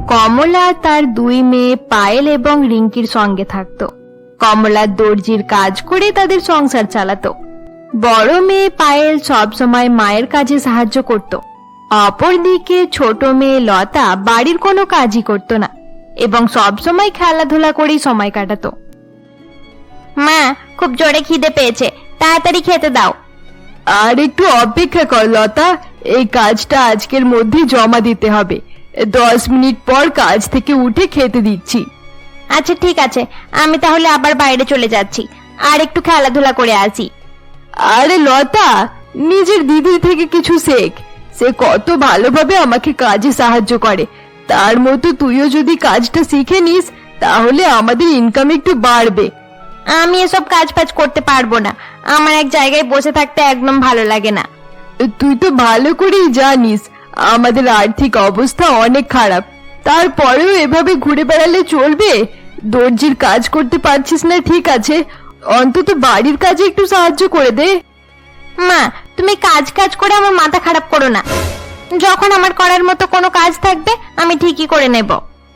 কমলা তার দুই মেয়ে পায়েল এবং রিঙ্কির সঙ্গে থাকতো। কমলা দর্জির কাজ করে তাদের সংসার চালাতো। বড় মেয়ে পায়েল সব সময় মায়ের কাজে সাহায্য করত। অপরদিকে ছোট মেয়ে লতা বাড়ির কোনো কাজই করত না এবং সব সময় খেলাধুলা করেই সময় কাটাতো। মা, খুব জোরে খিদে পেয়েছে, তাড়াতাড়ি খেতে দাও। আর একটু অপেক্ষা কর লতা, এই কাজটা আজকের মধ্যে জমা দিতে হবে। 10 মিনিট পর কাজ থেকে উঠে খেতে দিচ্ছি। আচ্ছা ঠিক আছে, আমি তাহলে আবার বাইরে চলে যাচ্ছি, আর একটু খেলাধুলা করে আসি। আরে লতা, নিজের দিদির থেকে কিছু শেখ। সে কত ভালোভাবে আমাকে কাজে সাহায্য করে। তার মতো তুইও যদি কাজটা শিখে নিস তাহলে আমাদের ইনকাম একটু বাড়বে। আমি এসব কাজ ফাজ করতে পারবো না, আমার এক জায়গায় বসে থাকতে একদম ভালো লাগে না। তুই তো ভালো করেই জানিস আমাদের আর্থিক অবস্থা অনেক খারাপ, তারপরেও এভাবে ঘুরে বেড়ালে চলবে? দর্জির কাজ করতে পারছিস না ঠিক আছে, অন্তত বাড়ির কাজে একটু সাহায্য করে দে। মা, তুমি কাজ কাজ করে আমার মাথা খারাপ করো না। যখন আমার করার মতো কোনো কাজ থাকবে আমি ঠিকই করে নেব।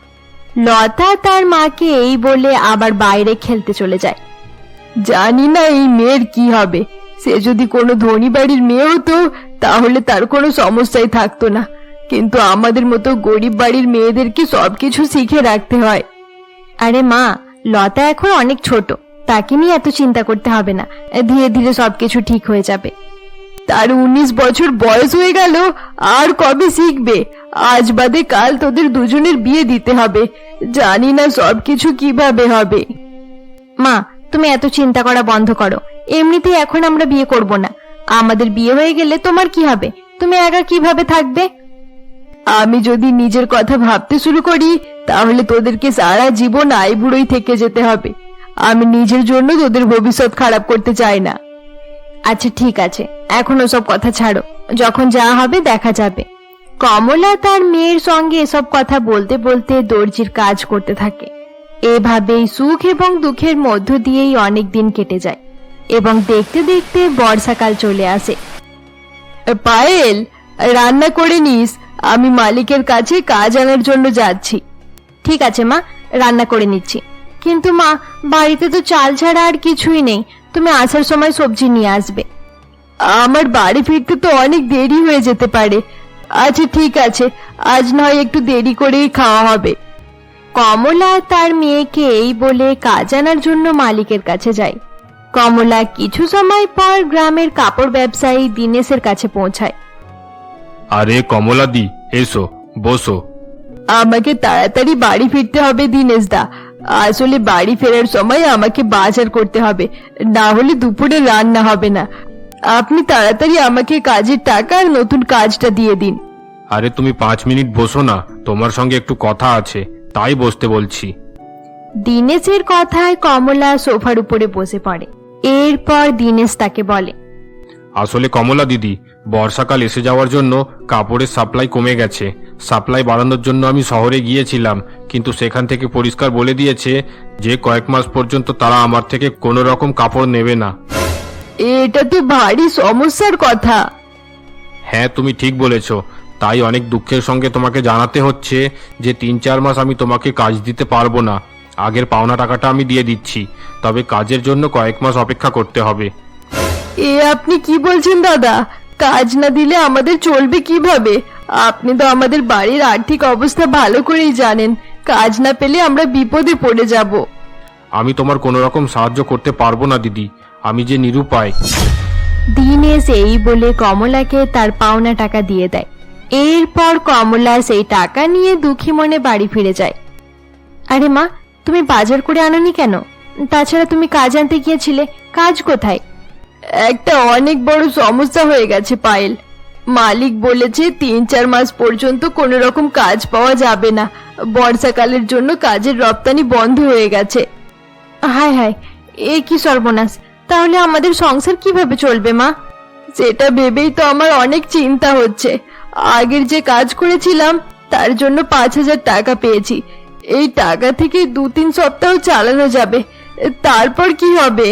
লতা তার মাকে এই বলে আবার বাইরে খেলতে চলে যায়। জানি না এই মেয়ের কি হবে। সে যদি কোনো ধনী বাড়ির মেয়ে হতো তাহলে তার কোনো সমস্যাই থাকতো না, কিন্তু আমাদের মতো গরিব বাড়ির মেয়েদেরকে সবকিছু শিখে রাখতে হয়। আরে মা, লতা এখন অনেক ছোট, তাকে নিয়ে এত চিন্তা করতে হবে না, ধীরে ধীরে সবকিছু ঠিক হয়ে যাবে। তার 19 বছর বয়স হয়ে গেল, আর কবে শিখবে? আজ বাদে কাল তোদের দুজনের বিয়ে দিতে হবে, জানি না সবকিছু কিভাবে হবে। মা, তুমি এত চিন্তা করা বন্ধ করো। এমনিতেই এখন আমরা বিয়ে করব না, আমাদের বিয়ে হয়ে গেলে তোমার কি হবে? তুমি একা কিভাবে থাকবে? আমি যদি নিজের কথা ভাবতে শুরু করি তাহলে তোদেরকে সারা জীবন আইবুড়োই থেকে যেতে হবে। আমি নিজের জন্য তোদের ভবিষ্যৎ খারাপ করতে চাই না। আচ্ছা ঠিক আছে, এখন ওসব কথা ছাড়ো, যখন যা হবে দেখা যাবে। কমলা তার মেয়ের সঙ্গে এসব কথা বলতে বলতে দর্জির কাজ করতে থাকে। এভাবেই সুখ এবং দুঃখের মধ্য দিয়েই অনেক দিন কেটে যায় এবং দেখতে দেখতে বর্ষাকাল চলে আসে। পায়েল, রান্না করে নিস, আমি মালিকের কাছে কাজ আনার জন্য যাচ্ছি। ঠিক আছে মা, রান্না করে নিচ্ছি। কিন্তু মা, বাড়িতে তো চাল ছাড়া আর কিছুই নেই, তুমি আসার সময় সবজি নিয়ে আসবে। আমার বাড়ি ফিরতে তো অনেক দেরি হয়ে যেতে পারে। আচ্ছা ঠিক আছে, আজ নয় একটু দেরি করেই খাওয়া হবে। কমলা তার মেয়েকে এই বলে কাজ আনার জন্য মালিকের কাছে যায়। কমলা কিছু সময় পর গ্রামের কাপড় ব্যবসায়ী দীনেশের কাছে পৌঁছায়। আরে কমলা দি, এসো, বসো। আমাকে তাড়াতাড়ি বাড়ি ফিরতে হবে দীনেশ দা। আসলে বাড়ি ফেরার সময় আমাকে বাজার করতে হবে, না হলে দুপুরে রান্না হবে না। আপনি তাড়াতাড়ি আমাকে কাজের টাকা আর নতুন কাজটা দিয়ে দিন। আরে তুমি 5 মিনিট বসো না, তোমার সঙ্গে একটু কথা আছে, তাই বসতে বলছি। দীনেশের কথায় কমলা সোফার উপরে বসে পড়ে। এরপর দীনেশ তাকে বলে, আসলে কমলা দিদি, বর্ষাকাল এসে যাওয়ার জন্য কাপড়ের সাপ্লাই কমে গেছে। সাপ্লাই বাড়ানোর জন্য আমি শহরে গিয়েছিলাম, কিন্তু সেখান থেকে পরিষ্কার বলে দিয়েছে যে কয়েক মাস পর্যন্ত তারা আমার থেকে কোনো রকম কাপড় নেবে না। এটা তো ভারী সমস্যার কথা। হ্যাঁ, তুমি ঠিক বলেছ। তাই অনেক দুঃখের সঙ্গে তোমাকে জানাতে হচ্ছে যে 3-4 মাস আমি তোমাকে কাজ দিতে পারবো না। আগের পাওনা টাকাটা আমি দিয়ে দিচ্ছি, তবে কাজের জন্য কয়েক মাস অপেক্ষা করতে হবে। আপনি কি বলছেন দাদা? কাজ না দিলে আমাদের চলবে কিভাবে? আপনি তো আমাদের বাড়ির আর্থিক অবস্থা ভালো করেই জানেন, কাজ না পেলে আমরা বিপদে পড়ে যাব। আমি তোমার কোনো রকম সাহায্য করতে পারবো না দিদি, আমি যে নিরুপায়। দীনেশ এই বলে কমলাকে তার পাওনা টাকা দিয়ে দেয়। এরপর কমলা সেই টাকা নিয়ে দুঃখী মনে বাড়ি ফিরে যায়। আরে মা, তুমি বাজার করে আনোনি কেন? তাছাড়া তুমি কাজ আনতে গিয়েছিলে, কাজ কোথায়? একটা অনেক বড় সমস্যা হয়ে গেছে পায়েল। মালিক বলেছে 3-4 মাস পর্যন্ত কোনো রকম কাজ পাওয়া যাবে না। বর্ষাকালের জন্য কাজের রপ্তানি বন্ধ হয়ে গেছে। হায় হায়, এ কি সর্বনাশ! তাহলে আমাদের সংসার কিভাবে চলবে মা? সেটা ভেবেই তো আমার অনেক চিন্তা হচ্ছে। আগের যে কাজ করেছিলাম তার জন্য 5,000 টাকা পেয়েছি। এই টাকা থেকে 2-3 সপ্তাহ চালানো যাবে, তারপর কি হবে?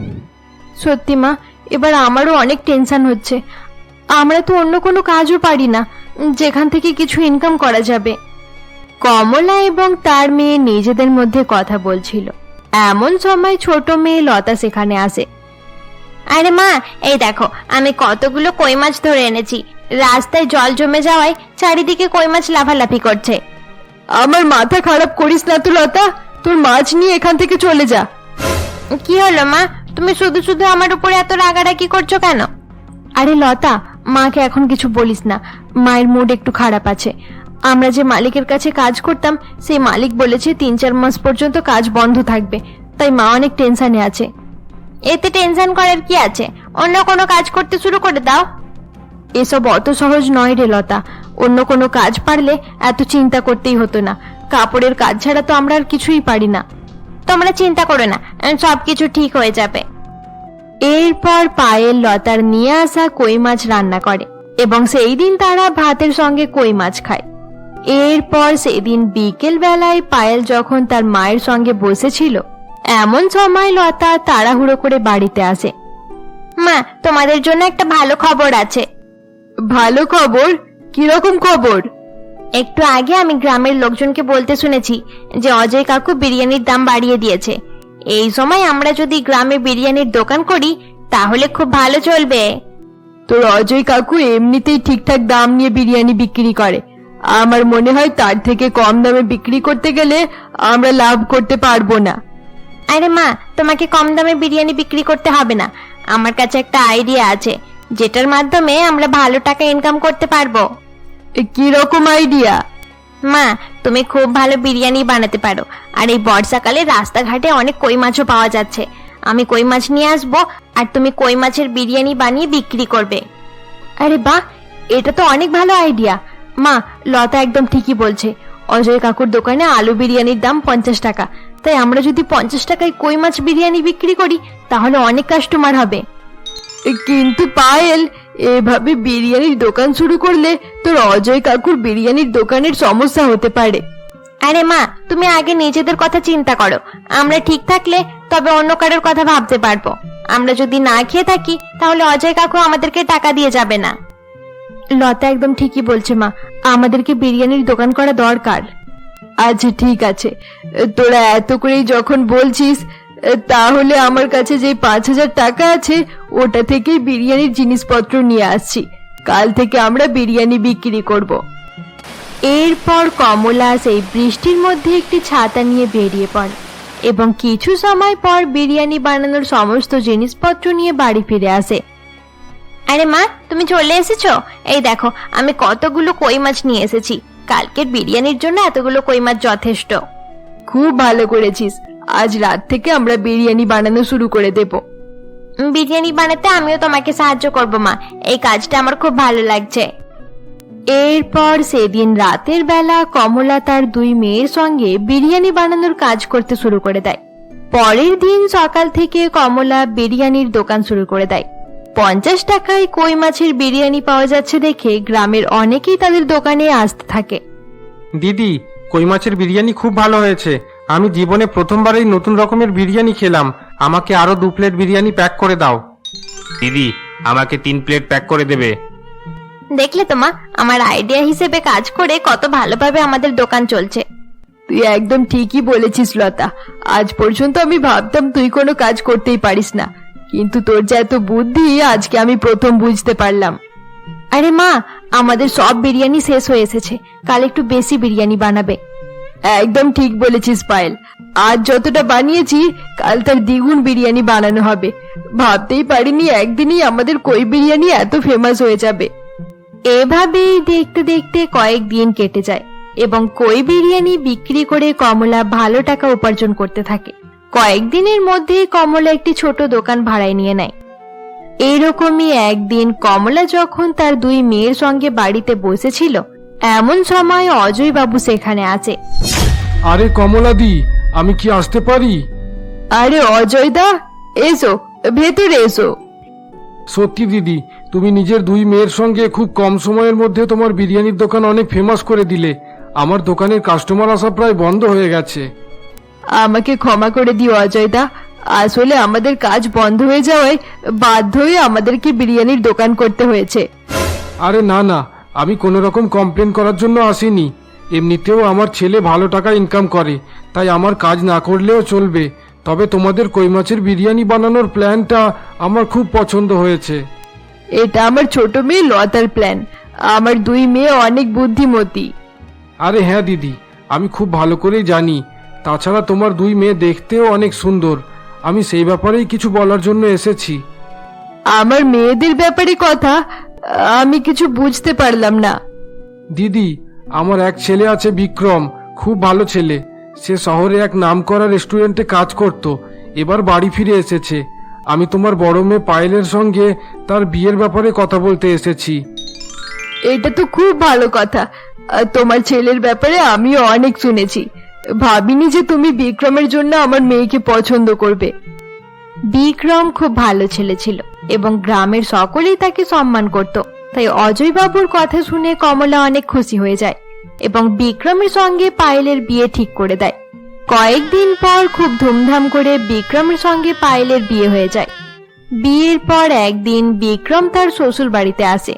সত্যি মা, এবার আমারও অনেক টেনশন হচ্ছে। আমরা তো অন্য কোনো কাজও পারি না যেখান থেকে কিছু ইনকাম করা যাবে। কমলা এবং তার মেয়ে নিজেদের মধ্যে কথা বলছিল। এমন সময় ছোট মেয়ে লতা সেখানে আসে। আরে মা, এই দেখো আমি কতগুলো কই মাছ ধরে এনেছি। রাস্তায় জল জমে যাওয়ায় চারিদিকে কই মাছ লাফালাফি করছে। আমার মাথা খারাপ করিস না তো লতা, তোর মাছ নিয়ে এখান থেকে চলে যা। কি হলো মা, তুমি শুধু শুধু আমার উপরে এত রাগারাগি করছো কেন? আরে লতা, মাকে এখন কিছু বলিস না, মায়ের মুড একটু খারাপ আছে। আমরা যে মালিকের কাছে কাজ করতাম সেই মালিক বলেছে 3-4 মাস পর্যন্ত কাজ বন্ধ থাকবে, তাই মা অনেক টেনশনে আছে। এতে টেনশন করার কি আছে, অন্য কোনো কাজ করতে শুরু করে দাও। এসব অত সহজ নয় রে লতা, অন্য কোনো কাজ পারলে এত চিন্তা করতেই হতো না। কাপড়ের কাজ ছাড়া তো আমরা আর কিছুই পারি না। তোমরা চিন্তা করো না, সবকিছু ঠিক হয়ে যাবে। এরপর পায়েল লতার নিয়ে আসা কই মাছ রান্না করে এবং সেই দিন তারা ভাতের সঙ্গে কই মাছ খায়। এরপর সেদিন বিকেল বেলায় পায়েল যখন তার মায়ের সঙ্গে বসেছিল, এমন সময় লতা তাড়াহুড়ো করে বাড়িতে আসে। মা, তোমাদের জন্য একটা ভালো খবর আছে। ভালো খবর? কিরকম খবর? একটু আগে আমি গ্রামের লোকজনকে বলতে শুনেছি যে অজয় কাকু বিরিয়ানির দাম বাড়িয়ে দিয়েছে। এই সময় আমরা যদি গ্রামে বিরিয়ানির দোকান করি তাহলে খুব ভালো চলবে। তোর অজয় কাকু এমনিতেই ঠিকঠাক দাম নিয়ে বিরিয়ানি বিক্রি করে, আমার মনে হয় তার থেকে কম দামে বিক্রি করতে গেলে আমরা লাভ করতে পারবো না। আরে মা, তোমাকে কম দামে বিরিয়ানি বিক্রি করতে হবে না। আমার কাছে একটা আইডিয়া আছে যেটার মাধ্যমে আমরা ভালো টাকা ইনকাম করতে পারবো। কি রকম আইডিয়া? মা, তুমি খুব ভালো বিরিয়ানি বানাতে পারো, আর এই বর্ষাকালে রাস্তাঘাটে অনেক কই মাছও পাওয়া যাচ্ছে। আমি কই মাছ নিয়ে আসবো আর তুমি কই মাছের বিরিয়ানি বানিয়ে বিক্রি করবে। আরে বাহ, এটা তো অনেক ভালো আইডিয়া। মা, লতা একদম ঠিকই বলছে। অজয় কাকুর দোকানে আলু বিরিয়ানির দাম 50 টাকা, তাই আমরা যদি 50 টাকায় কই মাছ বিরিয়ানি বিক্রি করি তাহলে অনেক কাস্টমার হবে। কিন্তু পায়েল, এভাবে বিরিয়ানির দোকান শুরু করলে তোর অজয় কাকুর বিরিয়ানির দোকানের সমস্যা হতে পারে। আরে মা, তুমি আগে নিজেদের কথা চিন্তা করো। আমরা ঠিক থাকলে তবে অন্য কারোর কথা ভাবতে পারবো। আমরা যদি না খেয়ে থাকি তাহলে অজয় কাকু আমাদেরকে টাকা দিয়ে যাবে না। লতা একদম ঠিকই বলছে মা, আমাদেরকে বিরিয়ানির দোকান করা দরকার। আচ্ছা ঠিক আছে, তোরা এত করেই যখন বলছিস, তাহলে আমার কাছে যে 5,000 টাকা আছে ওটা থেকেই বিরিয়ানির জিনিসপত্র নিয়ে আসছি। কাল থেকে আমরা বিরিয়ানি বিক্রি করব। এরপর কমলা সেই বৃষ্টির মধ্যে একটি ছাতা নিয়ে বেরিয়ে পড়ে এবং কিছু সময় পর বিরিয়ানি বানানোর সমস্ত জিনিসপত্র নিয়ে বাড়ি ফিরে আসে। আরে মা, তুমি চলে এসেছো? এই দেখো আমি কতগুলো কই মাছ নিয়ে এসেছি। কালকের বিরিয়ানির জন্য এতগুলো কই মাছ যথেষ্ট। খুব ভালো করেছিস, আজ রাত থেকে আমরা বিরিয়ানি বানানো শুরু করে দেব। বিরিয়ানি বানাতে আমিও তোমাকে সাহায্য করব মা, এই কাজটা আমার খুব ভালো লাগছে। এরপর সেদিন রাতের বেলা কমলা তার 2 মেয়ের সঙ্গে বিরিয়ানি বানানোর কাজ করতে শুরু করে দেয়। পরের দিন সকাল থেকে কমলা বিরিয়ানির দোকান শুরু করে দেয়। 50 টাকায় কই মাছের বিরিয়ানি পাওয়া যাচ্ছে দেখে গ্রামের অনেকেই তাদের দোকানে আসতে থাকে। দিদি, কই মাছের বিরিয়ানি খুব ভালো হয়েছে। আমি জীবনে প্রথমবারই নতুন রকমের বিরিয়ানি খেলাম। আমাকে আরো 2 প্লেট বিরিয়ানি প্যাক করে দাও। দিদি, আমাকে 3 প্লেট প্যাক করে দেবে। দেখলে তো মা, আমার আইডিয়া হিসেবে কাজ করে কত ভালোভাবে আমাদের দোকান চলছে। তুই একদম ঠিকই বলেছিস লতা, আজ পর্যন্ত আমি ভাবতাম তুই কোনো কাজ করতেই পারিস না, কিন্তু তোর যে এত বুদ্ধি আজকে আমি প্রথম বুঝতে পারলাম। আরে মা, আমাদের সব বিরিয়ানি শেষ হয়ে এসেছে, কাল একটু বেশি বিরিয়ানি বানাবে। একদম ঠিক বলেছিস পায়েল, আজ যতটা বানিয়েছি কাল তার দ্বিগুণ বিরিয়ানি বানানো হবে। ভাবতেই পারিনি একদিনই আমাদের কই বিরিয়ানি এত ফেমাস হয়ে যাবে। এভাবেই দেখতে দেখতে কয়েকদিন কেটে যায় এবং কই বিরিয়ানি বিক্রি করে কমলা ভালো টাকা উপার্জন করতে থাকে। কয়েকদিনের মধ্যেই কমলা একটি ছোট দোকান ভাড়ায় নিয়ে নেয়। এইরকমই একদিন কমলা যখন তার 2 মেয়ের সঙ্গে বাড়িতে বসেছিল, এমন সময় অজয় বাবু সেখানে আসে। আরে কমলাদি, আমি কি আসতে পারি? আরে অজয় দা, এসো, ভেতরে এসো। সত্যি দিদি, তুমি নিজের 2 মেয়ের সঙ্গে খুব কম সময়ের মধ্যে তোমার বিরিয়ানির দোকান অনেক ফেমাস করে দিলে। আমার দোকানের কাস্টমার আসা প্রায় বন্ধ হয়ে গেছে। আমাকে ক্ষমা করে দিও অজয় দা, আসলে আমাদের কাজ বন্ধ হয়ে যাওয়ায় বাধ্য হয়ে আমাদেরকে বিরিয়ানির দোকান করতে হয়েছে। আরে না না, আমি কোনো রকম কমপ্লেন করার জন্য আসিনি। এমনিতেও আমার ছেলে ভালো টাকা ইনকাম করে, তাই আমার কাজ না করলেও চলবে। তবে তোমাদের কই মাছের বিরিয়ানি বানানোর প্ল্যানটা আমার খুব পছন্দ হয়েছে। এটা আমার ছোট মেয়ে লতার প্ল্যান। আমার 2 মেয়ে অনেক বুদ্ধিমতী। আরে হ্যাঁ দিদি, আমি খুব ভালো করেই জানি। তাছাড়া তোমার 2 মেয়ে দেখতেও অনেক সুন্দর। আমি সেই ব্যাপারেই কিছু বলার জন্য এসেছি। আমার মেয়েদের ব্যাপারে কথা আমি কিছু বুঝতে পারলাম না। দিদি, আমার এক ছেলে আছে বিক্রম, খুব ভালো ছেলে। সে শহরে এক নামকরা রেস্টুরেন্টে কাজ করত, এবার বাড়ি ফিরে এসেছে। আমি তোমার বড় মেয়ে পায়েলের সঙ্গে তার বিয়ের ব্যাপারে কথা বলতে এসেছি। এটা তো খুব ভালো কথা। তোমার ছেলের ব্যাপারে আমিও অনেক শুনেছি। ভাবিনি যে তুমি বিক্রমের জন্য আমার মেয়েকে পছন্দ করবে। বিক্রম খুব ভালো ছেলে ছিল এবং গ্রামের সকলেই তাকে সম্মান করত। তাই অজয় বাবুর কথা শুনে কমলা অনেক খুশি হয়ে যায় এবং বিক্রমের সঙ্গে পায়েলের বিয়ে ঠিক করে দেয়। কয়েকদিন পর খুব ধুমধাম করে বিক্রমের সঙ্গে পায়েলের বিয়ে হয়ে যায়। বিয়ের পর একদিন বিক্রম তার শ্বশুর বাড়িতে আসে।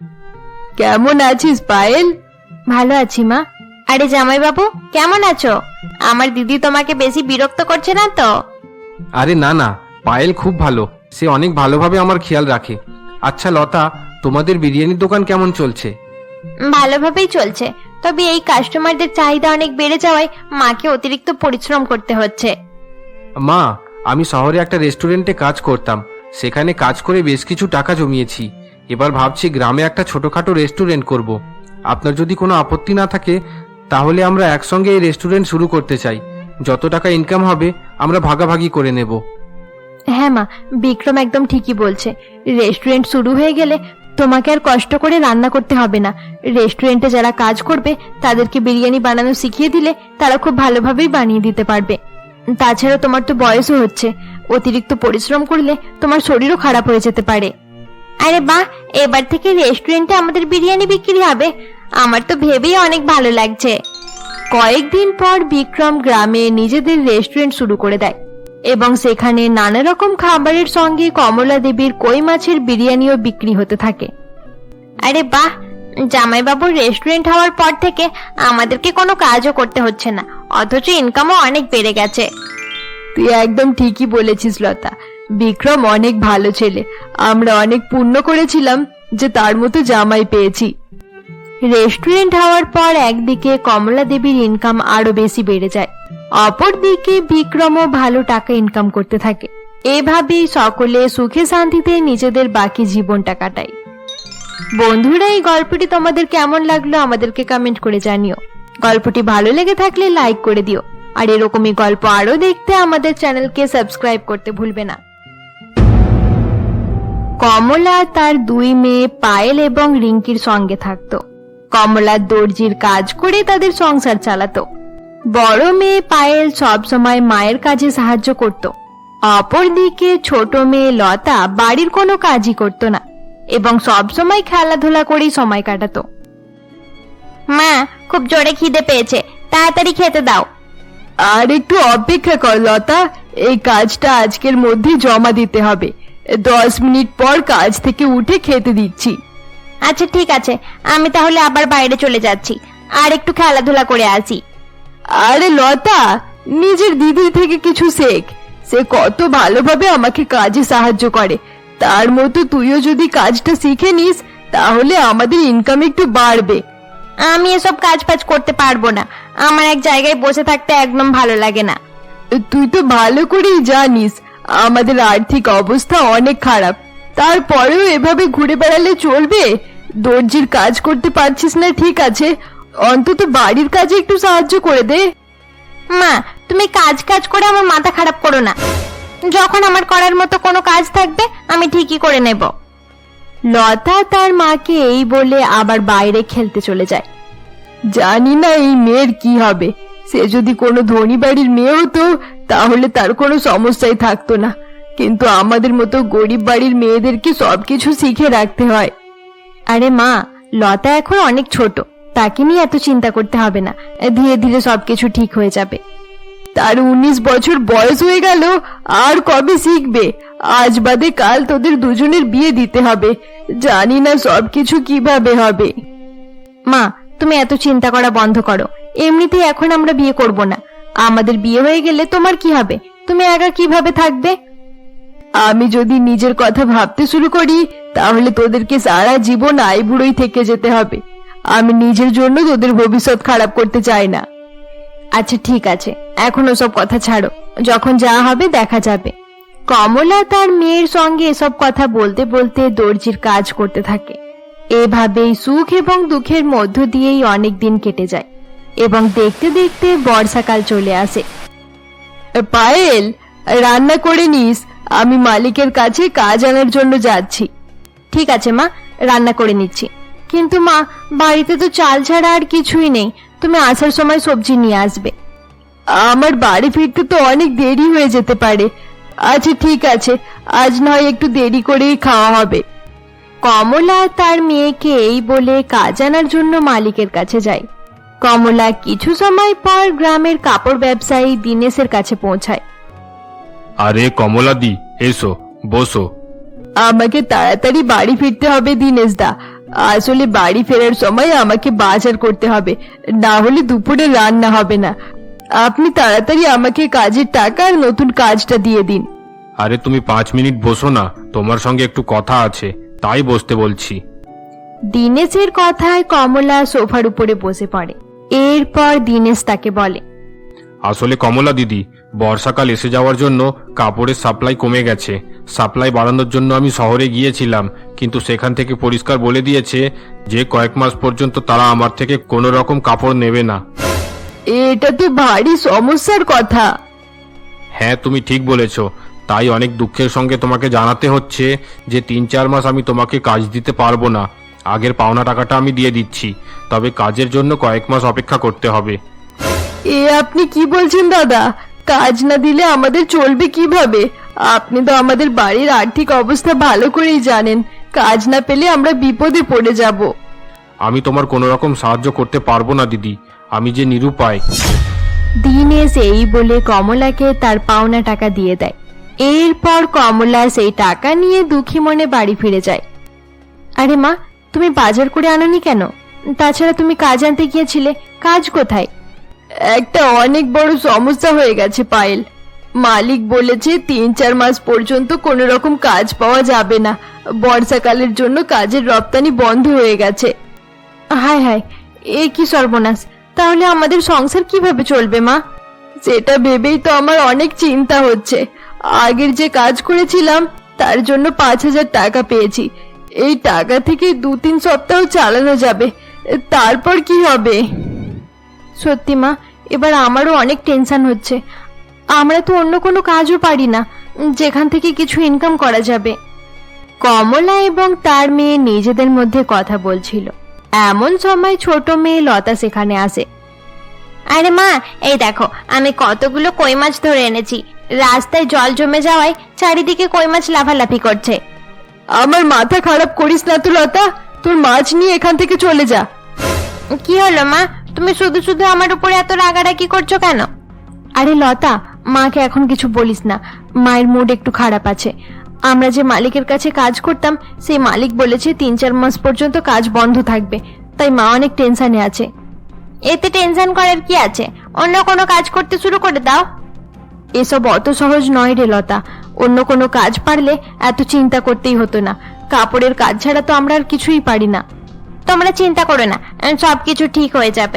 কেমন আছিস পায়েল? ভালো আছি মা। আরে জামাই বাবু, কেমন আছো? আমার দিদি তোমাকে বেশি বিরক্ত করছে না তো? আরে না না, পায়েল খুব ভালো, সে অনেক ভালোভাবে আমার খেয়াল রাখে। আচ্ছা লতা, তোমাদের বিরিয়ানির দোকান কেমন চলছে? ভালোভাবেই চলছে, তবে এই কাস্টমারদের চাহিদা অনেক বেড়ে যাওয়ায় মাকে অতিরিক্ত পরিশ্রম করতে হচ্ছে। মা, আমি শহরে একটা রেস্টুরেন্টে কাজ করতাম, সেখানে কাজ করে বেশ কিছু টাকা জমিয়েছি। এবার ভাবছি গ্রামে একটা ছোটখাটো রেস্টুরেন্ট করব। আপনার যদি কোনো আপত্তি না থাকে তাহলে আমরা একসঙ্গে এই রেস্টুরেন্ট শুরু করতে চাই। যত টাকা ইনকাম হবে আমরা ভাগাভাগি করে নেব। হ্যাঁ মা, বিক্রম একদম ঠিকই বলছে। রেস্টুরেন্ট শুরু হয়ে গেলে তোমাকে আর কষ্ট করে রান্না করতে হবে না। রেস্টুরেন্টে যারা কাজ করবে তাদেরকে বিরিয়ানি বানানো শিখিয়ে দিলে তারা খুব ভালোভাবেই বানিয়ে দিতে পারবে। তাছাড়া তোমার তো বয়সও হচ্ছে, অতিরিক্ত পরিশ্রম করলে তোমার শরীরও খারাপ হয়ে যেতে পারে। আরে বাহ, এবার থেকে রেস্টুরেন্টে আমাদের বিরিয়ানি বিক্রি হবে। আমার তো ভেবেই অনেক ভালো লাগছে। কয়েকদিন পর বিক্রম গ্রামে নিজেদের রেস্টুরেন্ট শুরু করে দেয় এবং সেখানে নানা রকম খাবারের সঙ্গে কমলা দেবীর কই মাছের বিরিয়ানিও বিক্রি হতে থাকে। আরে বাহ, জামাইবাবুর রেস্টুরেন্ট হওয়ার পর থেকে আমাদেরকে কোনো কাজও করতে হচ্ছে না, অথচ ইনকামও অনেক বেড়ে গেছে। তুই একদম ঠিকই বলেছিস লতা। বিক্রম অনেক ভালো ছেলে। আমরা অনেক পুণ্য করেছিলাম যে তার মতো জামাই পেয়েছি। রেস্টুরেন্ট হওয়ার পর একদিকে কমলা দেবীর ইনকাম আরো বেশি বেড়ে যায়, অপরদিকে বিক্রমও ভালো টাকা ইনকাম করতে থাকে। এভাবেই সকলে সুখে শান্তিতে নিজেদের বাকি জীবনটা কাটায়। বন্ধুরা, এই গল্পটি তোমাদের কেমন লাগলো আমাদেরকে কমেন্ট করে জানিও। গল্পটি ভালো লেগে থাকলে লাইক করে দিও, আর এরকমই গল্প আরো দেখতে আমাদের চ্যানেলকে সাবস্ক্রাইব করতে ভুলবে না। কমলা তার 2 মেয়ে পায়েল এবং রিঙ্কির সঙ্গে থাকতো। কমলা দর্জির কাজ করে তাদের সংসার চালাতো। বড় মেয়ে পায়েল সব সময় মায়ের কাজে সাহায্য করত। অপরদিকে ছোট মেয়ে লতা বাড়ির কোনো কাজই করত না এবং সব সময় খেলাধুলা করেই সময় কাটাতো। মা, খুব জোরে খিদে পেয়েছে, তাড়াতাড়ি খেতে দাও। আর একটু অপেক্ষা কর লতা, এই কাজটা আজকের মধ্যে জমা দিতে হবে। 10 মিনিট পর কাজ থেকে উঠে খেতে দিচ্ছি। আচ্ছা ঠিক আছে, আমি তাহলে আবার বাইরে চলে যাচ্ছি, আর একটু খেলাধুলা করে আসি। আরে লতা, নিজের দিদির থেকে কিছু শেখ। সে কত ভালোভাবে আমাকে কাজে সাহায্য করে। তার মতো তুইও যদি কাজটা শিখে নিস তাহলে আমাদের ইনকাম একটু বাড়বে। আমি এসব কাজ ফাজ করতে পারবো না, আমার এক জায়গায় বসে থাকতে একদম ভালো লাগে না। তুই তো ভালো করেই জানিস আমাদের আর্থিক অবস্থা অনেক খারাপ, তারপরেও এভাবে ঘুরে বেড়ালে চলবে? দর্জির কাজ করতে পারছিস না ঠিক আছে, অন্তত বাড়ির কাজে একটু সাহায্য করে দে। মা, তুমি কাজ কাজ করে আমার মাথা খারাপ করো না। যখন আমার করার মতো কোনো কাজ থাকবে আমি ঠিকই করে নেব। লতা তার মাকে এই বলে আবার বাইরে খেলতে চলে যায়। জানি না এই মেয়ের কি হবে। সে যদি কোনো ধনী বাড়ির মেয়ে হতো তাহলে তার কোনো সমস্যাই থাকতো না, কিন্তু আমাদের মতো গরিব বাড়ির মেয়েদেরকে সবকিছু শিখে রাখতে হয়। আরে মা, লতা এখন অনেক ছোট, তাকে নিয়ে এত চিন্তা করতে হবে না, ধীরে ধীরে সবকিছু ঠিক হয়ে যাবে। তার 19 বছর বয়স হয়ে গেল, আর কবে শিখবে? আজ বাদে কাল তোদের দুজনের বিয়ে দিতে হবে, জানি না সবকিছু কিভাবে হবে। মা, তুমি এত চিন্তা করা বন্ধ করো। এমনিতেই এখন আমরা বিয়ে করব না। আমাদের বিয়ে হয়ে গেলে তোমার কি হবে? তুমি একা কিভাবে থাকবে? আমি যদি নিজের কথা ভাবতে শুরু করি তাহলে তোদেরকে সারা জীবন আইবুড়োই থেকে যেতে হবে। আমি নিজের জন্য তোদের ভবিষ্যৎ খারাপ করতে চাই না। আচ্ছা ঠিক আছে, এখন ওসব কথা ছাড়ো, যখন যা হবে দেখা যাবে। কমলা তার মেয়ের সঙ্গে এসব কথা বলতে বলতে দর্জির কাজ করতে থাকে। এভাবেই সুখ এবং দুঃখের মধ্য দিয়েই অনেক দিন কেটে যায় এবং দেখতে দেখতে বর্ষাকাল চলে আসে। পায়েল, রান্না করে নিস, আমি মালিকের কাছে কাজ আনার জন্য যাচ্ছি। ঠিক আছে মা, রান্না করে নিচ্ছি। কিন্তু মা, বাড়িতে তো চাল ছাড়া আর কিছুই নেই। তুমি আসার সময় সবজি নিয়ে আসবে। আমার বাড়ি ফিরতে তো অনেক দেরি হয়ে যেতে পারে। আচ্ছা ঠিক আছে, আজ নয় একটু দেরি করেই খাওয়া হবে। কমলা তার মেয়েকে এই বলে কাজ আনার জন্য মালিকের কাছে যায়। কমলা কিছু সময় পর গ্রামের কাপড় ব্যবসায়ী দীনেশের কাছে পৌঁছায়। আরে কমলা দি, এসো, বসো। আমাকে তাড়াতাড়ি বাড়ি ফিরতে হবে দিনেশ দা। আসলে বাড়ি ফেরার সময় আমাকে বাজার করতে হবে, না হলে দুপুরে রান্না হবে না। আপনি তাড়াতাড়ি আমাকে কাজের টাকা আর নতুন কাজটা দিয়ে দিন। আরে তুমি 5 মিনিট বসো না, তোমার সঙ্গে একটু কথা আছে, তাই বসতে বলছি। দীনেশের কথায় কমলা সোফার উপরে বসে পড়ে। এরপর দীনেশ তাকে বলে, আসলে কমলা দিদি, বর্ষাকাল এসে যাওয়ার জন্য কাপড়ের সাপ্লাই কমে গেছে। সাপ্লাই বাড়ানোর জন্য আমি শহরে গিয়েছিলাম, কিন্তু সেখান থেকে পরিষ্কার বলে দিয়েছে যে কয়েক মাস পর্যন্ত তারা আমার থেকে কোনো রকম কাপড় নেবে না। এটা তো ভারী সমস্যার কথা। হ্যাঁ, তুমি ঠিক বলেছ। তাই অনেক দুঃখের সঙ্গে তোমাকে জানাতে হচ্ছে যে 3-4 মাস আমি তোমাকে কাজ দিতে পারবো না। আগের পাওনা টাকাটা আমি দিয়ে দিচ্ছি, তবে কাজের জন্য কয়েক মাস অপেক্ষা করতে হবে। এ আপনি কি বলছেন দাদা? কাজ না দিলে আমাদের চলবে কিভাবে? আপনি তো আমাদের বাড়ির আর্থিক অবস্থা ভালো করেই জানেন। কাজ না পেলে আমরা বিপদে পড়ে যাব। আমি তোমার কোনো রকম সাহায্য করতে পারবো না দিদি, আমি যে নিরুপায়। দীনেশ এই বলে কমলাকে তার পাওনা টাকা দিয়ে দেয়। এরপর কমলা সেই টাকা নিয়ে দুঃখী মনে বাড়ি ফিরে যায়। আরে মা, তুমি বাজার করে আনোনি কেন? তাছাড়া তুমি কাজ আনতে গিয়েছিলে, কাজ কোথায়? একটা অনেক বড় সমস্যা হয়ে গেছে পায়েল। মালিক বলেছে 3-4 মাস পর্যন্ত কোনো রকম কাজ পাওয়া যাবে না। বর্ষাকালের জন্য কাজের রপ্তানি বন্ধ হয়ে গেছে। হায় হায়, এ কি সর্বনাশ! তাহলে আমাদের সংসার কিভাবে চলবে মা? সেটা ভেবেই তো আমার অনেক চিন্তা হচ্ছে। আগের যে কাজ করেছিলাম তার জন্য 5,000 টাকা পেয়েছি। এই টাকা থেকে 2-3 সপ্তাহ চালানো যাবে, তারপর কি হবে? সত্যি মা, এবার আমারও অনেক টেনশন হচ্ছে। আমরা তো অন্য কোনো কাজও পারি না যেখান থেকে কিছু ইনকাম করা যাবে। কমলা এবং তার মেয়ে নিজেদের মধ্যে কথা বলছিল। এমন সময় ছোট মেয়ে লতা সেখানে আসে। আরে মা, এই দেখো আমি কতগুলো কই মাছ ধরে এনেছি। রাস্তায় জল জমে যাওয়ায় চারিদিকে কই মাছ লাফালাফি করছে। আমার মাথা খারাপ করিস না তো লতা, তোর মাছ নিয়ে এখান থেকে চলে যা। কি হলো মা, তুমি শুধু শুধু আমার উপরে এত রাগারাগি করছো কেন? আরে লতা, মাকে এখন কিছু বলিস না, মায়ের মুড একটু খারাপ আছে। আমরা যে মালিকের কাছে কাজ করতাম সেই মালিক বলেছে 3-4 মাস পর্যন্ত কাজ বন্ধ থাকবে, তাই মা অনেক টেনশনে আছে। এতে টেনশন করার কি আছে? অন্য কোনো কাজ করতে শুরু করে দাও। এসব অত সহজ নয় রে লতা, অন্য কোনো কাজ পারলে এত চিন্তা করতেই হতো না। কাপড়ের কাজ ছাড়া তো আমরা আর কিছুই পারি না। তোমরা চিন্তা করো না, সবকিছু ঠিক হয়ে যাবে।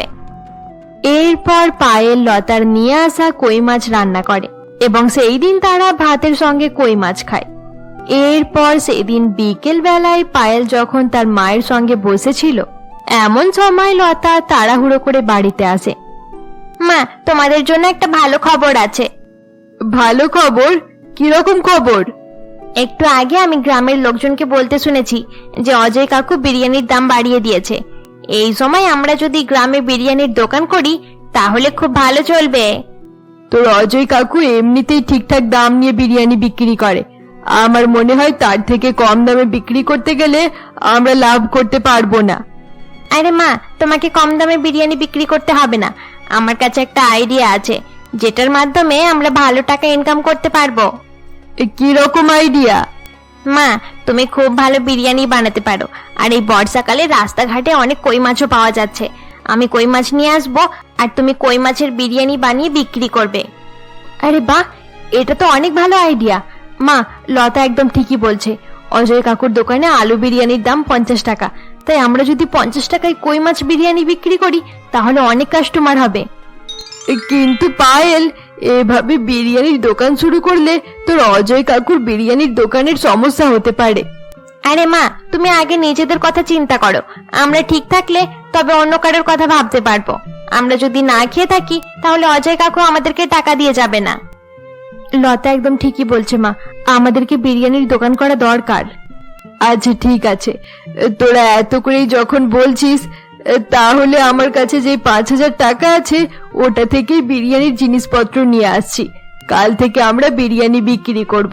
এরপর পায়েল লতার নিয়ে আসা কই মাছ রান্না করে এবং সেই দিন তারা ভাতের সঙ্গে কই মাছ খায়। এরপর সেদিন বিকেল বেলায় পায়েল যখন তার মায়ের সঙ্গে বসেছিল, এমন সময় লতা তাড়াহুড়ো করে বাড়িতে আসে। মা, তোমাদের জন্য একটা ভালো খবর আছে। ভালো খবর? কিরকম খবর? একটু আগে আমি গ্রামের লোকজনকে বলতে শুনেছি যে অজয় কাকু বিরিয়ানির দাম বাড়িয়ে দিয়েছে। এই সময় আমরা যদি গ্রামে বিরিয়ানির দোকান করি তাহলে খুব ভালো চলবে। তোর অজয় কাকু এমনিতেই ঠিকঠাক দাম নিয়ে বিরিয়ানি বিক্রি করে। আমার মনে হয় তার থেকে কম দামে বিক্রি করতে গেলে আমরা লাভ করতে পারবো না। আরে মা, তোমাকে কম দামে বিরিয়ানি বিক্রি করতে হবে না। আমার কাছে একটা আইডিয়া আছে যেটার মাধ্যমে আমরা ভালো টাকা ইনকাম করতে পারবো। কি রকম আইডিয়া? মা, তুমি খুব ভালো বিরিয়ানি বানাতে পারো, আর এই বর্ষাকালে রাস্তাঘাটে অনেক কই মাছও পাওয়া যাচ্ছে। আমি কই মাছ নিয়ে আসবো, আর তুমি কই মাছের বিরিয়ানি বানিয়ে বিক্রি করবে। আরে বাহ, এটা তো অনেক ভালো আইডিয়া। মা, লতা একদম ঠিকই বলছে। অজয় কাকুর দোকানে আলু বিরিয়ানির দাম 50 টাকা, তাই আমরা যদি 50 টাকায় কই মাছ বিরিয়ানি বিক্রি করি তাহলে অনেক কাস্টমার হবে। কিন্তু পায়েল, এভাবে বিরিয়ানির দোকান শুরু করলে তোর অজয় কাকুর বিরিয়ানির দোকানের সমস্যা হতে পারে। আরে মা, তুমি আগে নিজেদের কথা চিন্তা করো। আমরা ঠিক থাকলে তবে অন্য কারোর কথা ভাবতে পারবো। আমরা যদি না খেয়ে থাকি তাহলে অজয় কাকু আমাদেরকে টাকা দিয়ে যাবে না। লতা একদম ঠিকই বলছে মা, আমাদেরকে বিরিয়ানির দোকান করা দরকার। আচ্ছা ঠিক আছে, তোরা এত করেই যখন বলছিস, তাহলে আমার কাছে যে 5,000 টাকা আছে ওটা থেকেই বিরিয়ানির জিনিসপত্র নিয়ে আসছি। কাল থেকে আমরা বিরিয়ানি বিক্রি করব।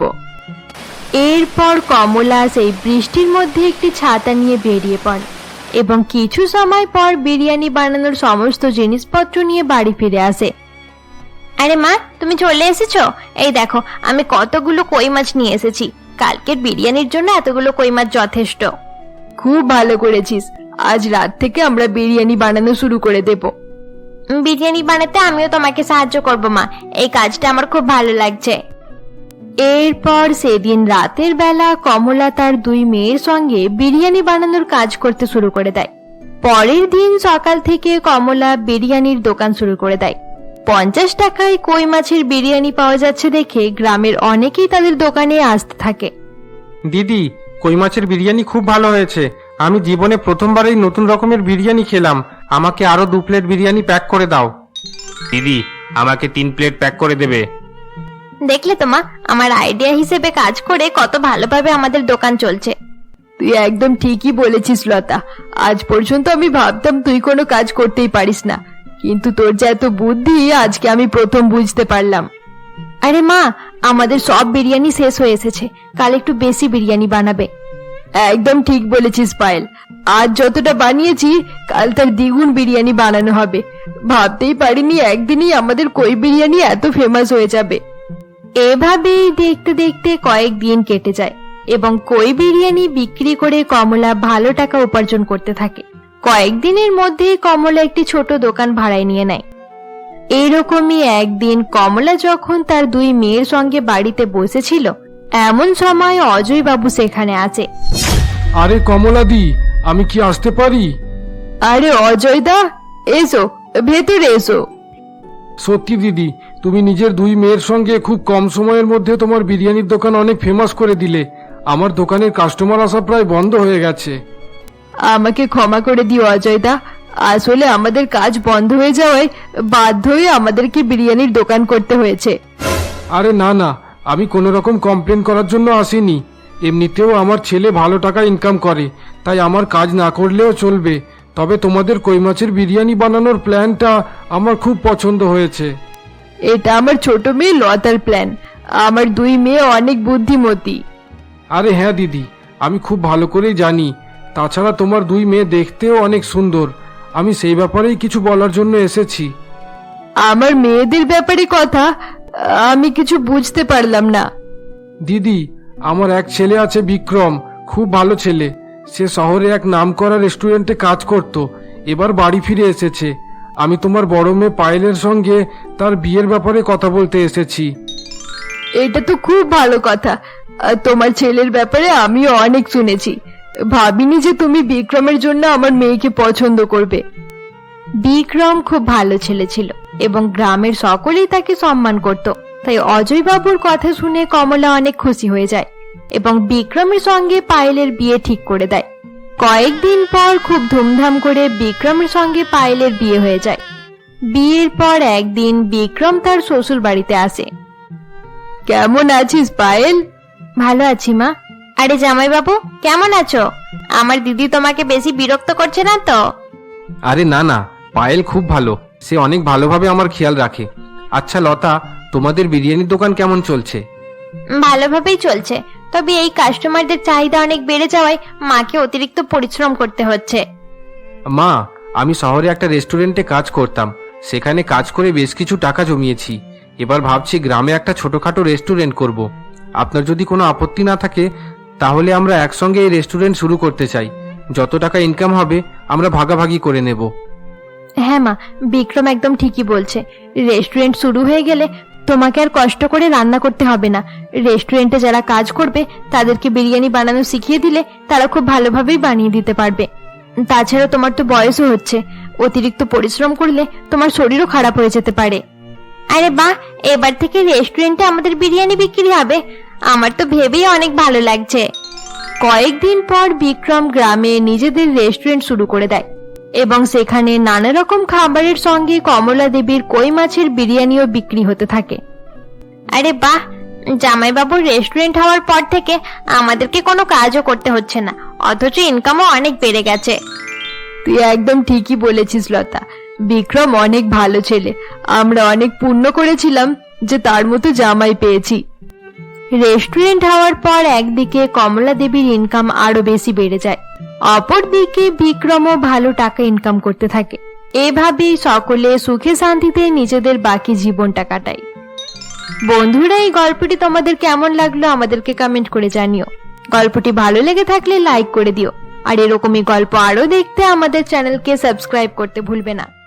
এরপর কমলা সেই বৃষ্টির মধ্যে একটি ছাতা নিয়ে বেরিয়ে পড়ে এবং কিছু সময় পর বিরিয়ানি বানানোর সমস্ত জিনিসপত্র নিয়ে বাড়ি ফিরে আসে। আরে মা, তুমি চলে এসেছো? এই দেখো, আমি কতগুলো কই মাছ নিয়ে এসেছি। কালকের বিরিয়ানির জন্য এতগুলো কই মাছ যথেষ্ট। খুব ভালো করেছিস, আজ রাত থেকে আমরা বিরিয়ানি বানানো শুরু করে দেব। বিরিয়ানি বানাতে আমিও তোমাকে সাহায্য করব মা, এই কাজটা আমার খুব ভালো লাগছে। এরপর সেদিন রাতের বেলা কমলা তার 2 মেয়ের সঙ্গে বিরিয়ানি বানানোর কাজ করতে শুরু করে দেয়। পরের দিন সকাল থেকে কমলা বিরিয়ানির দোকান শুরু করে দেয়। 50 টাকায় কই মাছের বিরিয়ানি পাওয়া যাচ্ছে দেখে গ্রামের অনেকেই তাদের দোকানে আসতে থাকে। দিদি, কই মাছের বিরিয়ানি খুব ভালো হয়েছে। আমি জীবনে প্রথমবার এই নতুন রকমের বিরিয়ানি খেলাম। আমাকে আরো 2 প্লেট বিরিয়ানি প্যাক করে দাও। দিদি, আমাকে 3 প্লেট প্যাক করে দেবে। দেখলে তো মা, আমার আইডিয়া হিসেবে কাজ করে কত ভালোভাবে আমাদের দোকান চলছে। তুই একদম ঠিকই বলেছিস লতা। আজ পর্যন্ত আমি ভাবতাম তুই কোনো কাজ করতেই পারিস না, কিন্তু তোর যে এত বুদ্ধি আজকে আমি প্রথম বুঝতে পারলাম। আরে মা, আমাদের সব বিরিয়ানি শেষ হয়ে এসেছে, কাল একটু বেশি বিরিয়ানি বানাবে। একদম ঠিক বলেছিস পায়েল, আজ যতটা বানিয়েছি কাল তার দ্বিগুণ বিরিয়ানি বানানো হবে। ভাবতেই পারিনি একদিনই আমাদের কই বিরিয়ানি এত ফেমাস হয়ে যাবে। এভাবেই দেখতে দেখতে কয়েকদিন কেটে যায় এবং কই বিরিয়ানি বিক্রি করে কমলা ভালো টাকা উপার্জন করতে থাকে। কয়েকদিনের মধ্যেই কমলা একটি ছোট দোকান ভাড়ায় নিয়ে নেয়। এইরকমই একদিন কমলা যখন তার 2 মেয়ের সঙ্গে বাড়িতে বসেছিল, এমন সময় অজয় বাবু সেখানে আছে। আরে কমলাদি, আমি কি আসতে পারি? আরে অজয় দা, এসো, ভেতরে এসো। সত্যি দিদি, তুমি নিজের 2 মেয়ের সঙ্গে খুব কম সময়ের মধ্যে তোমার বিরিয়ানির দোকান অনেক ফেমাস করে দিলে। আমার দোকানের কাস্টমার আসা প্রায় বন্ধ হয়ে গেছে। আমাকে ক্ষমা করে দিও অজয় দা, আসলে আমাদের কাজ বন্ধ হয়ে যাওয়ায় বাধ্য হয়ে আমাদেরকে বিরিয়ানির দোকান করতে হয়েছে। আরে না না, আমি কোনো রকম কমপ্লেন করার জন্য আসিনি। এমনিতেও আমার ছেলে ভালো টাকা ইনকাম করে, তাই আমার কাজ না করলেও চলবে। তবে তোমাদের কই মাছের বিরিয়ানি বানানোর প্ল্যানটা আমার খুব পছন্দ হয়েছে। এটা আমার ছোট মেয়ে লতার প্ল্যান। আমার 2 মেয়ে অনেক বুদ্ধিমতী। আরে হ্যাঁ দিদি, আমি খুব ভালো করেই জানি। তাছাড়া তোমার 2 মেয়ে দেখতেও অনেক সুন্দর। আমি সেই ব্যাপারেই কিছু বলার জন্য এসেছি। আমার মেয়েদের ব্যাপারে কথা আমি কিছু বুঝতে পারলাম না। দিদি, আমার এক ছেলে আছে বিক্রম, খুব ভালো ছেলে। সে শহরে এক নামকরা রেস্টুরেন্টে কাজ করত, এবার বাড়ি ফিরে এসেছে। আমি তোমার বড় মেয়ে পায়েলের সঙ্গে তার বিয়ের ব্যাপারে কথা বলতে এসেছি। এটা তো খুব ভালো কথা। তোমার ছেলের ব্যাপারে আমিও অনেক শুনেছি। ভাবিনি যে তুমি বিক্রমের জন্য আমার মেয়েকে পছন্দ করবে। বিক্রম খুব ভালো ছেলে ছিল এবং গ্রামের সকলেই তাকে সম্মান করত। তাই অজয় বাবুর কথা শুনে কমলা অনেক খুশি হয়ে যায় এবং বিক্রমের সঙ্গে পায়েলের বিয়ে ঠিক করে দেয়। কয়েকদিন পর খুব ধুমধাম করে বিক্রমের সঙ্গে পায়েলের বিয়ে হয়ে যায়। বিয়ের পর একদিন বিক্রম তার শ্বশুর বাড়িতে আসে। কেমন আছিস পায়েল? ভালো আছি মা। আরে জামাই বাবু, কেমন আছো? আমার দিদি তোমাকে বেশি বিরক্ত করছে না তো? আরে না না, পায়েল খুব ভালো। সে অনেক ভালোভাবে আমার খেয়াল রাখে। আচ্ছা লতা, তোমাদের বিরিয়ানির দোকান কেমন চলছে? ভালোভাবেই চলছে, তবে এই কাস্টমারদের চাহিদা অনেক বেড়ে যাওয়ায় মাকে অতিরিক্ত পরিশ্রম করতে হচ্ছে। মা, আমি শহরে একটা রেস্টুরেন্টে কাজ করতাম। সেখানে কাজ করে বেশ কিছু টাকা জমিয়েছি। এবার ভাবছি গ্রামে একটা ছোটখাটো রেস্টুরেন্ট করব। আপনার যদি কোনো আপত্তি না থাকে তাহলে আমরা একসঙ্গে এই রেস্টুরেন্ট শুরু করতে চাই। যত টাকা ইনকাম হবে আমরা ভাগাভাগি করে নেব। হ্যাঁ মা, বিক্রম একদম ঠিকই বলছে। রেস্টুরেন্ট শুরু হয়ে গেলে তোমাকে আর কষ্ট করে রান্না করতে হবে না। রেস্টুরেন্টে যারা কাজ করবে তাদেরকে বিরিয়ানি বানানো শিখিয়ে দিলে তারা খুব ভালোভাবেই বানিয়ে দিতে পারবে। তাছাড়া তোমার তো বয়সও হচ্ছে, অতিরিক্ত পরিশ্রম করলে তোমার শরীরও খারাপ হয়ে যেতে পারে। আরে বাহ, এবার থেকে রেস্টুরেন্টে আমাদের বিরিয়ানি বিক্রি হবে, আমার তো ভেবেই অনেক ভালো লাগছে। কয়েকদিন পর বিক্রম গ্রামে নিজেদের রেস্টুরেন্ট শুরু করে দেয় এবং সেখানে নানা রকম খাবারের সঙ্গে কমলা দেবীর কই মাছের বিরিয়ানিও বিক্রি হতে থাকে। আরে বাহ, জামাইবাবুর রেস্টুরেন্ট হওয়ার পর থেকে আমাদেরকে কোনো কাজও করতে হচ্ছে না, অথচ ইনকামও অনেক বেড়ে গেছে। তুই একদম ঠিকই বলেছিস লতা, বিক্রম অনেক ভালো ছেলে। আমরা অনেক পুণ্য করেছিলাম যে তার মতো জামাই পেয়েছি। রেস্টুরেন্ট হওয়ার পর একদিকে কমলা দেবীর ইনকাম আরো বেশি বেড়ে যায়, অপরদিকে বিক্রমও ভালো টাকা ইনকাম করতে থাকে। এভাবেই সকলে সুখে শান্তিতে নিজেদের বাকি জীবনটা কাটায়। বন্ধুরা, এই গল্পটি তোমাদের কেমন লাগলো আমাদেরকে কমেন্ট করে জানিও। গল্পটি ভালো লেগে থাকলে লাইক করে দিও, আর এরকমই গল্প আরো দেখতে আমাদের চ্যানেলকে সাবস্ক্রাইব করতে ভুলবে না।